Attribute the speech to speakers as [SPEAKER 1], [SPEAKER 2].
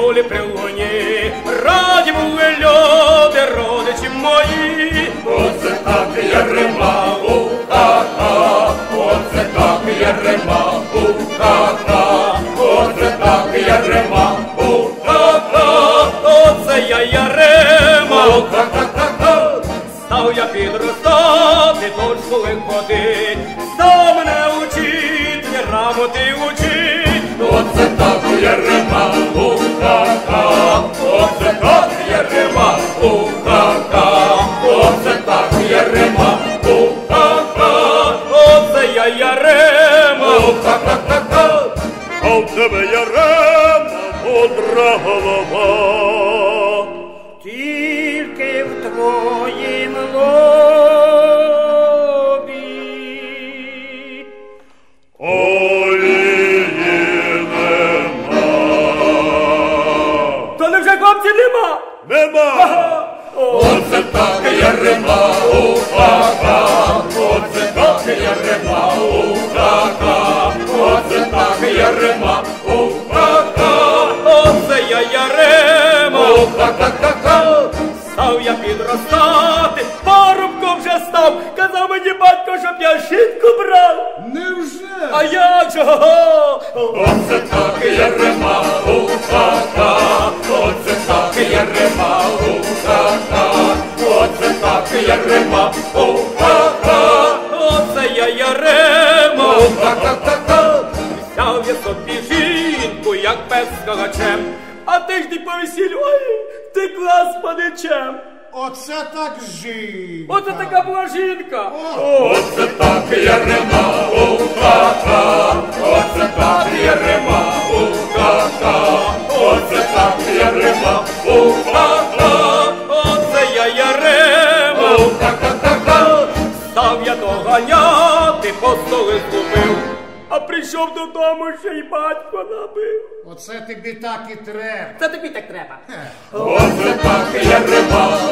[SPEAKER 1] полі при луні, раді були люди, родичі мої.
[SPEAKER 2] Оце так Ярема, у-ха-ха, оце так Ярема, у-ха-ха, оце так Ярема, у-ха-ха,
[SPEAKER 1] Оце я Ярема,
[SPEAKER 2] у-ха-ха-ха-ха.
[SPEAKER 1] став я підростати, до школи ходить, став мене учить, грамоти учить.
[SPEAKER 2] Оце так Ярема, у-ха-ха, оце так Ярема, у-ха-ха, оце так Ярема, у-ха-ха,
[SPEAKER 1] Оце я Ярема,
[SPEAKER 2] у-ха-ха-ха-ха.
[SPEAKER 3] А в тебе Ярема мудра голова.
[SPEAKER 1] тільки в твоїм лобі.
[SPEAKER 3] Олії нема.
[SPEAKER 1] То невже хлопців нема?
[SPEAKER 3] Нема.
[SPEAKER 2] Оце так Ярема, у-ха-ха, оце так Ярема, у-ха-ха, оце так Ярема, у-ха-ха,
[SPEAKER 1] Оце я Ярема,
[SPEAKER 2] у-ха-ха-ха-ха.
[SPEAKER 1] став я підростати, парубком вже став, казав мені батько, щоб я жінку брав.
[SPEAKER 4] Невже?
[SPEAKER 1] А як же? Го-го!
[SPEAKER 2] Оце так Ярема, у-ха-ха, оце так Ярема, у-ха-ха, оце так Ярема, у-ха-ха,
[SPEAKER 1] Оце я Ярема,
[SPEAKER 2] у-ха-ха-ха-ха.
[SPEAKER 1] взяв я собі жінку, як пес з кагачем, а ти ж ти по весіллю, ой, ти клас паничем.
[SPEAKER 4] Оце так жінка.
[SPEAKER 1] Оце така була жінка.
[SPEAKER 2] Оце так Ярема, у-ха-ха, оце так Ярема, у-ха-ха, оце так Ярема, у-ха-ха,
[SPEAKER 1] Оце я Ярема,
[SPEAKER 2] у-ха-ха-ха-ха.
[SPEAKER 1] став я доганяти, по столи згубив, а прийшов додому, ще й батько набив.
[SPEAKER 4] Оце тобі так і треба.
[SPEAKER 1] Це тобі так треба.
[SPEAKER 2] Оце так Ярема,